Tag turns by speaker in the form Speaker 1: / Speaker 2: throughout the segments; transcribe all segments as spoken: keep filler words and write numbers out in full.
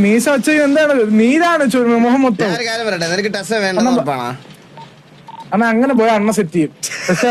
Speaker 1: മീശ വെച്ച എന്താണ് നീരാണ് മുഖം മൊത്തം. അണ്ണ അങ്ങനെ പോയ അണ്ണ സെറ്റ് ചെയ്യും. പക്ഷെ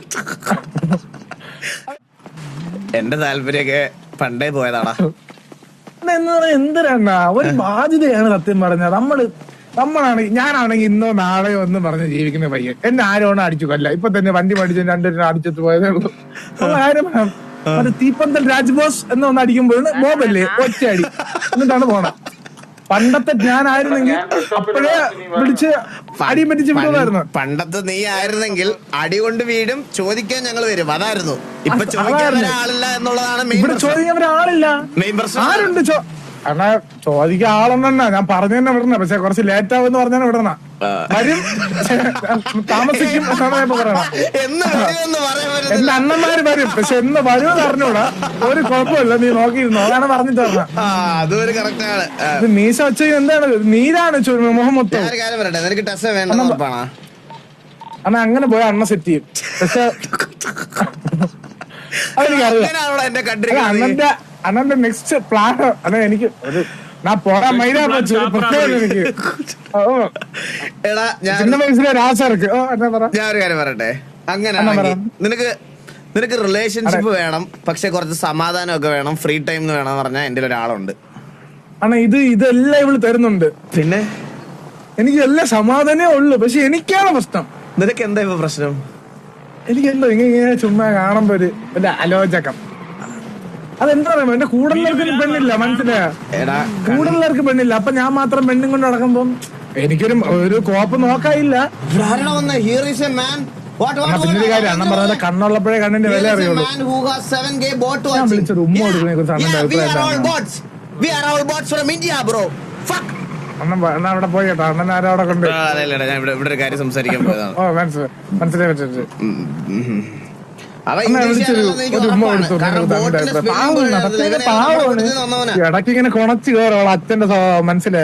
Speaker 2: എന്റെ താല്പര്യൊക്കെ പണ്ടേ പോയതാടാ.
Speaker 1: എന്ന് പറയാ എന്തിനാ ഒരു ബാധ്യതയാണ് സത്യം പറഞ്ഞത്. നമ്മള് നമ്മളാണെങ്കിൽ ഞാനാണെങ്കിൽ ഇന്നോ നാളെയോ ഒന്നും പറഞ്ഞ് ജീവിക്കുന്ന പയ്യൻ. എന്നെ ആരോണം അടിച്ചു കൊല്ല. ഇപ്പൊ തന്നെ വണ്ടി പഠിച്ചു രണ്ടുപേരും അടിച്ചിട്ട് പോയതേ ഉള്ളൂ. കാര്യം അത് തീപ്പന്തൽ രാജ്ബോസ് എന്നൊന്ന് അടിക്കുമ്പോഴാണ് ബോബല്ലേ ഒറ്റയടി എന്നിട്ടാണ് പോണത്. പണ്ടത്തെ ഞാനായിരുന്നെങ്കിൽ അപ്പോഴേ വിളിച്ച് അടിയും പറ്റിച്ച് വിടുമായിരുന്നു.
Speaker 2: പണ്ടത്തെ നീ ആയിരുന്നെങ്കിൽ അടി കൊണ്ട് വീടും ചോദിക്കാൻ ഞങ്ങൾ വരും, അതായിരുന്നു. ഇപ്പൊ ചോദിക്കാൻ ഒരാളില്ല എന്നുള്ളതാണ്
Speaker 1: ഇവിടെ ചോദിക്കാൻ ഒരാളില്ല.
Speaker 2: മെയിൻ പ്രശ്നം.
Speaker 1: ആരുണ്ട് ചോ അണ്ണാ ചോദിക്കാൻ ആളെന്നെ ഞാൻ പറഞ്ഞു തന്നെ വിടണ. പക്ഷെ കുറച്ച് ലേറ്റ് ആവുമെന്ന് പറഞ്ഞാണ് വിടണ. വരും താമസിക്കും എന്നാണ് ഞാൻ പറയണ. എന്റെ അണ്ണന്മാര് വരും, പക്ഷെ എന്ന് വരുമെന്ന് അറിഞ്ഞൂടാ. ഒരു കുഴപ്പമില്ല, നീ നോക്കിയിരുന്നോ അതാണ് പറഞ്ഞിട്ട് പറഞ്ഞ. ഇത് മീശ വെച്ച എന്താണ് നീരാണ് മുഖം മൊത്തം. അണ്ണ അങ്ങനെ പോയ അണ്ണ സെറ്റ് ചെയ്യും. പക്ഷെ അതെനിക്കറിയാം. അണ്ണന്റെ അണ്ണന്റെ നെക്സ്റ്റ് പ്ലാൻ അതെ എനിക്ക് ഒരു ഞാൻ പോകാൻ മൈനാ വെച്ചു പ്രത്യേകം എനിക്ക് ചിന്ന വയസ്സിലെ രാശർക്ക്.
Speaker 2: ഞാൻ ഒരു കാര്യം പറയട്ടെ, അങ്ങനെ നിനക്ക് നിനക്ക് റിലേഷൻഷിപ്പ് വേണം, പക്ഷെ കുറച്ച് സമാധാനം ഒക്കെ വേണം, ഫ്രീ ടൈം വേണം പറഞ്ഞാൽ എന്റെ ഒരാളുണ്ട്.
Speaker 1: അണ്ണാ ഇത് ഇതെല്ലാം ഇവള് തരുന്നുണ്ട്.
Speaker 2: പിന്നെ
Speaker 1: എനിക്ക് എല്ലാ സമാധാനമേ ഉള്ളു. പക്ഷെ എനിക്കാണ് പ്രശ്നം.
Speaker 2: നിനക്ക് എന്താ ഇപ്പൊ പ്രശ്നം?
Speaker 1: എനിക്കെന്തോ ഇങ്ങനെ ചുമ്മാ കാണുമ്പോ ഒരു വല്ല അലോചകം. അതെന്താ പറയുമ്പോ എന്റെ കൂടുതലർക്ക് പെണ്ണില്ല, മനസ്സിലായ കൂടുതലർക്ക് പെണ്ണില്ല. അപ്പൊ ഞാൻ മാത്രം പെണ്ണും കൊണ്ട് നടക്കുമ്പോ എനിക്കൊരു ഒരു കോപ്പ് നോക്കാനില്ല. പിന്നൊരു കാര്യം അണ്ണൻ പറഞ്ഞ കണ്ണുള്ളപ്പോഴേ കണ്ണിന്റെ വില അറിയുള്ളൂ. ഞാൻ വിളിച്ചൊരു ഉമ്മ കൊടുക്കുന്നതിനെ കുറിച്ച് അണ്ണന്റെ അഭിപ്രായം അണ്ണൻ അവിടെ പോയി കേട്ടോ. അണ്ണൻ ആരവിടെ കൊണ്ട്
Speaker 2: ഇവിടെ കാര്യം സംസാരിക്കാൻ പോയതാണ്.
Speaker 1: ഓ മനസ്സിലായി മനസ്സിലായി പറ്റിട്ട് ഇടയ്ക്ക് ഇങ്ങനെ കൊണച്ച് കയറോളൂ അച്ഛന്റെ മനസ്സിലായ.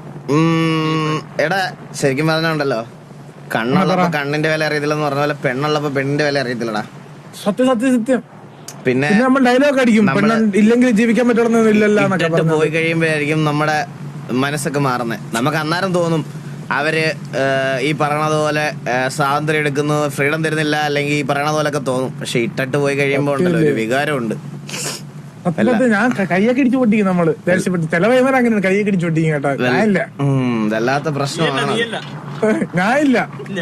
Speaker 2: എടാ ശരിക്കും പറഞ്ഞുണ്ടല്ലോ, കണ്ണുള്ളപ്പോ കണ്ണിന്റെ വില അറിയത്തില്ലെന്ന് പറഞ്ഞ പോലെ പെണ്ണുള്ളപ്പോ പെണ്ണിന്റെ വില അറിയത്തില്ലടാ.
Speaker 1: സത്യം സത്യം സത്യം.
Speaker 2: പിന്നെ
Speaker 1: നമ്മൾ ഡയലോഗ് അടിക്കും, ഇല്ലെങ്കിൽ ജീവിക്കാൻ പറ്റുന്നില്ലല്ലോ.
Speaker 2: പോയി കഴിയുമ്പോഴായിരിക്കും നമ്മുടെ മനസ്സൊക്കെ മാറുന്നത്. നമുക്ക് അന്നേരം തോന്നും അവര് ഈ പറയണത് പോലെ സ്വാതന്ത്ര്യം എടുക്കുന്നു, ഫ്രീഡം തരുന്നില്ല, അല്ലെങ്കിൽ ഈ പറയണത് പോലൊക്കെ തോന്നും. പക്ഷെ ഇട്ടിട്ട് പോയി കഴിയുമ്പോ ഉണ്ടല്ലോ ഒരു വികാരമുണ്ട്.
Speaker 1: ഞാൻ കയ്യൊക്കെ ഇടിച്ചു പൊട്ടിക്കും നമ്മള് ദേഷ്യപ്പെട്ട്. ചില വൈകുന്നേരം അങ്ങനെ കയ്യൊക്കെ ഇടിച്ചു പൊട്ടിക്കും കേട്ടോ. ഞാനില്ല,
Speaker 2: ഇതല്ലാത്ത പ്രശ്നമാണ്.
Speaker 1: ഞാനില്ല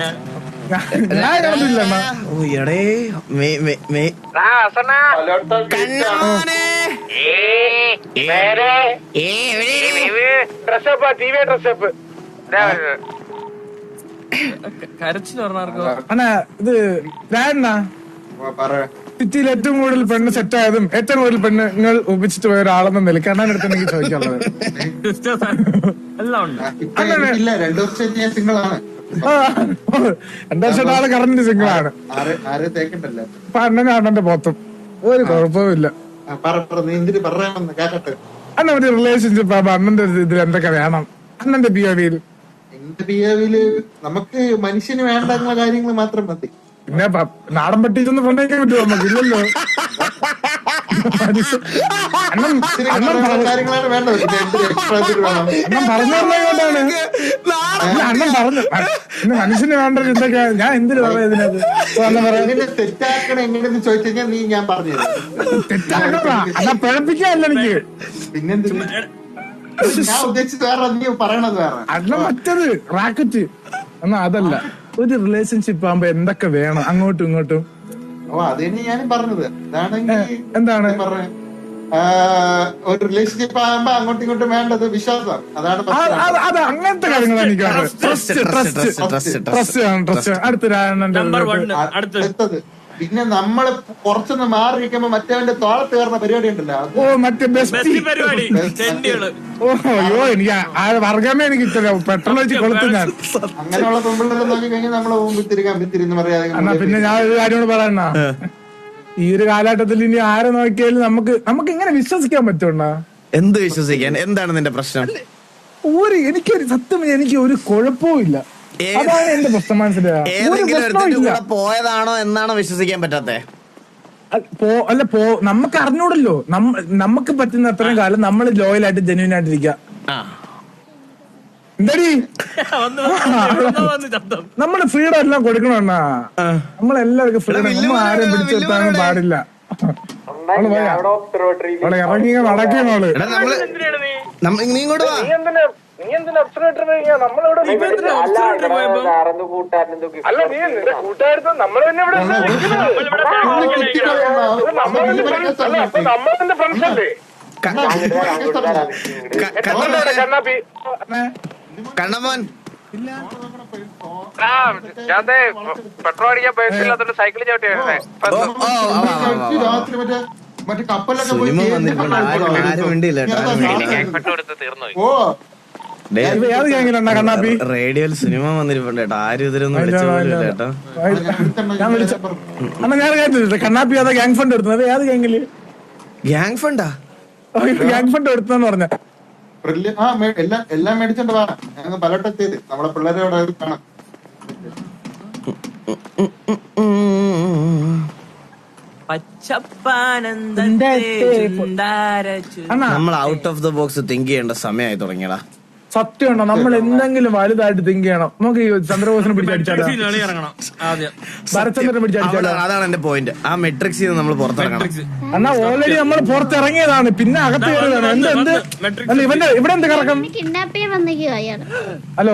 Speaker 1: അണ്ണാ ഇത് രാണ സിറ്റിയിൽ ഏറ്റവും കൂടുതൽ പെണ്ണ് സെറ്റ് ആയതും ഏറ്റവും കൂടുതൽ പെണ്ണുങ്ങൾ ഒപ്പിച്ചിട്ട് പോയ ഒരാളെന്ന നിലയ്ക്ക് അണ്ണാൻ അടുത്ത് എനിക്ക് ചോദിക്കാനുള്ളത്. രണ്ടു വർഷം ആള് കറന്റ് സിംഗിളാണ്. അപ്പൊ അണ്ണനും അണ്ണന്റെ പോത്തും ഒരു കുഴപ്പമില്ല. അണ്ണ ഒരു റിലേഷൻഷിപ്പ് ആകുമ്പോ അണ്ണന്റെ ഇതിൽ എന്തൊക്കെ വേണം? അണ്ണന്റെ പി ഒ വിയിൽ
Speaker 3: എന്റെ പി ഒ വിയില് നമുക്ക് മനുഷ്യന് വേണ്ട കാര്യങ്ങൾ മാത്രം മതി.
Speaker 1: പിന്നെ നാടൻ പട്ടിച്ചൊന്ന് കൊണ്ടേക്കാൻ പറ്റുമോ? നമുക്ക് ഇല്ലല്ലോ.
Speaker 3: കാര്യങ്ങളാണ് വേണ്ടത്.
Speaker 1: അണ്ണൻ പറഞ്ഞുകൊണ്ടാണ് അണ്ണൻ പറഞ്ഞു മനുഷ്യന് വേണ്ടത് എന്തൊക്കെയാ. ഞാൻ എന്തിനു പറയാ ഇതിനകത്ത്
Speaker 3: തെറ്റാക്കണം എങ്ങനെയെന്ന് ചോദിച്ചു കഴിഞ്ഞാൽ നീ ഞാൻ പറഞ്ഞു
Speaker 1: തെറ്റാക്കണ അതാ പിഴപ്പിക്കാല്ല എനിക്ക്.
Speaker 3: പിന്നെന്തിന് ഞാൻ ഉദ്ദേശിച്ചത് വേറെ, നീ പറയണത് വേറെ.
Speaker 1: അണ്ണ മറ്റത് റാക്കറ്റ് എന്നാ അതല്ല. ഒരു റിലേഷൻഷിപ്പ് ആകുമ്പോ എന്തൊക്കെ വേണം അങ്ങോട്ടും ഇങ്ങോട്ടും?
Speaker 3: ഓ അത് തന്നെ ഞാനും പറഞ്ഞത്.
Speaker 1: എന്താണ്
Speaker 3: ഒരു റിലേഷൻഷിപ്പ് ആകുമ്പോ അങ്ങോട്ടും ഇങ്ങോട്ടും വേണ്ടത് വിശ്വാസം. അതാണ്
Speaker 1: അത് അങ്ങനത്തെ കാര്യങ്ങളാണ് എനിക്ക്.
Speaker 3: അടുത്തത് പിന്നെ നമ്മള് കുറച്ചൊന്ന് മാറി നിൽക്കുമ്പോ മറ്റവന്റെ തോളത്ത് കയറുന്ന പരിപാടി ഉണ്ടല്ലോ.
Speaker 1: ഓ മറ്റേ ഓ അയ്യോ എനിക്ക് വർഗമേ എനിക്ക് പെട്രോൾ വെച്ച് കൊളുത്തു ഞാൻ.
Speaker 3: അങ്ങനെയുള്ള പെമ്പിള്ളേരെ നോക്കി കഴിഞ്ഞാൽ നമ്മളെ മുമ്പിത്തിരിക്കാൻ പറ്റിരുന്ന് പറയാതെ.
Speaker 1: പിന്നെ ഞാൻ ഒരു കാര്യം പറയണ, ഈ ഒരു കാലഘട്ടത്തിൽ ഇനി ആരെ നോക്കിയാലും നമുക്ക് നമുക്ക് എങ്ങനെ വിശ്വസിക്കാൻ പറ്റുമോ?
Speaker 2: എന്ത് വിശ്വസിക്കാൻ? എന്താണ് നിന്റെ പ്രശ്നം?
Speaker 1: ഒരു എനിക്കൊരു സത്യം എനിക്ക് ഒരു കുഴപ്പവും ഇല്ല. അതാണ് എന്റെ പ്രശ്നം. മനസ്സിലായോ?
Speaker 2: പോയതാണോ എന്നാണോ വിശ്വസിക്കാൻ പറ്റാത്തെ?
Speaker 1: അല്ല പോ നമുക്ക് അറിഞ്ഞൂടല്ലോ. നമുക്ക് പറ്റുന്ന അത്രയും കാലം നമ്മൾ ലോയലായിട്ട് ജെന്യൂൻ ആയിട്ടിരിക്കുക.
Speaker 2: ആ
Speaker 1: എന്താടി നമ്മള് ഫ്രീഡം എല്ലാം കൊടുക്കണണ്ണ. നമ്മളെല്ലാവർക്കും ഫ്രീഡം. നമ്മൾ ആരും പിടിച്ചെടുത്താനും പാടില്ല. അവള് പോയാ അവളെ ഇറങ്ങി നടക്കണോള്.
Speaker 2: എടാ നമ്മള് നമ്മ- നീ ഇങ്ങോട്ട് വാ. കണ്ണമോൻ
Speaker 4: പെട്രോൾ അടിക്കാൻ പൈസ സൈക്കിൾ ചവിട്ടി
Speaker 3: രാത്രി മറ്റേ മറ്റേ കപ്പലൊക്കെ പോയി
Speaker 2: സിനിമ വന്നിട്ടുണ്ട്. ആരും ആരും മിണ്ടിയില്ല കേട്ടോ.
Speaker 4: തീർന്നു.
Speaker 3: ഓ
Speaker 1: ഏത് ഗാങ്ങിലെണ്ണ കണ്ണാപ്പി?
Speaker 2: റേഡിയോയിൽ സിനിമ വന്നിരിപ്പുണ്ട് കേട്ടോ. ആരും ഇതിലൊന്നും വിളിച്ചു പോലില്ല കേട്ടോ.
Speaker 1: ഞാൻ വിളിച്ച അണ്ണ ഞാൻ കേട്ടില്ല. കണ്ണാപ്പി അതാ ഗ്യാങ് ഫണ്ട് എടുത്തത്. ഏത് ഗാങ്ങില്
Speaker 2: ഗ്യാങ് ഫണ്ടാ?
Speaker 1: ഗ്യാങ് ഫണ്ട് എടുത്തെന്ന് പറഞ്ഞ
Speaker 3: ആ മേ- എല്ലാം എല്ലാം മേടിച്ചോണ്ട് വാ. ഞങ്ങൾ പലയിടത്തേത് നമ്മളെ പിള്ളേരെ അവിടെ കാണാം.
Speaker 1: അണ്ണാ
Speaker 2: നമ്മൾ out of the box think ചെയ്യേണ്ട സമയമായി തുടങ്ങിയടാ.
Speaker 1: സത്യമുണ്ടോ? നമ്മൾ എന്തെങ്കിലും വലുതായിട്ട് തിങ്ക് ചെയ്യണം. നമുക്ക് ഈ ചന്ദ്രബോസിനെ പിടിച്ചടിച്ചാലോ? ഭരചന്ദ്രനെ പിടിച്ചടിച്ചാലോ?
Speaker 2: അവിടെ- അതാണ് എന്റെ പോയിന്റ്. ആ മെട്രിക്സിൽ നിന്ന് നമ്മൾ പുറത്തിറങ്ങണം.
Speaker 1: എന്നാ ഓൾറെഡി നമ്മൾ പുറത്തിറങ്ങിയതാണ്. പിന്നെ അകത്ത് കയറിയതാണ്. എന്ത് എന്ത് അല്ല ഇവന്റെ ഇവിടെ എന്ത് കറക്കം?
Speaker 5: കിഡ്നാപ്പ് ചെയ്യാൻ വന്നിരിക്കുവാ അയാള്.
Speaker 1: ഹലോ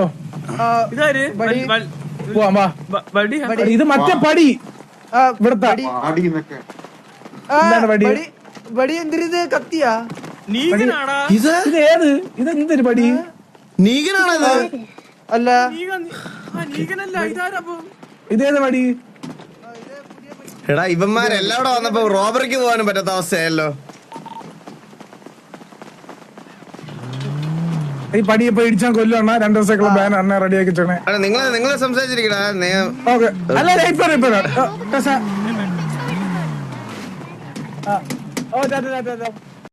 Speaker 1: പോവാം വാ. ഇത് മറ്റേ പടി ഇവിടത്തെ
Speaker 3: ആടിന്നൊക്കെ
Speaker 1: എന്താണ് പടി?
Speaker 6: ബടി എന്തിരിത് കത്തിയാ?
Speaker 2: ഇത്
Speaker 1: ഇത് ഏത്? ഇത് എന്തൊരു പടി?
Speaker 2: നീകനാണത്?
Speaker 6: അല്ല
Speaker 1: ഇതേത് പടി?
Speaker 2: എടാ ഇവന്മാരെല്ലാവിടെ വന്നപ്പോ റോബറിക്ക് പോകാനും പറ്റാത്ത അവസ്ഥയല്ലോ.
Speaker 1: ഈ പടി ഇപ്പൊ ഇടിച്ചാൽ കൊല്ലുവാണ്. രണ്ടു ദിവസത്തേക്കുള്ള ബാൻ അണ്ണ റെഡിയാക്കി ചേണേ.
Speaker 2: എടാ നിങ്ങളെ നിങ്ങളെ സംസാരിച്ചിരിക്കടാ.
Speaker 1: ഓക്കെ അല്ല ഇപ്പൊ ഇപ്പൊ ഓ ടാറ്റാ ടാറ്റാ.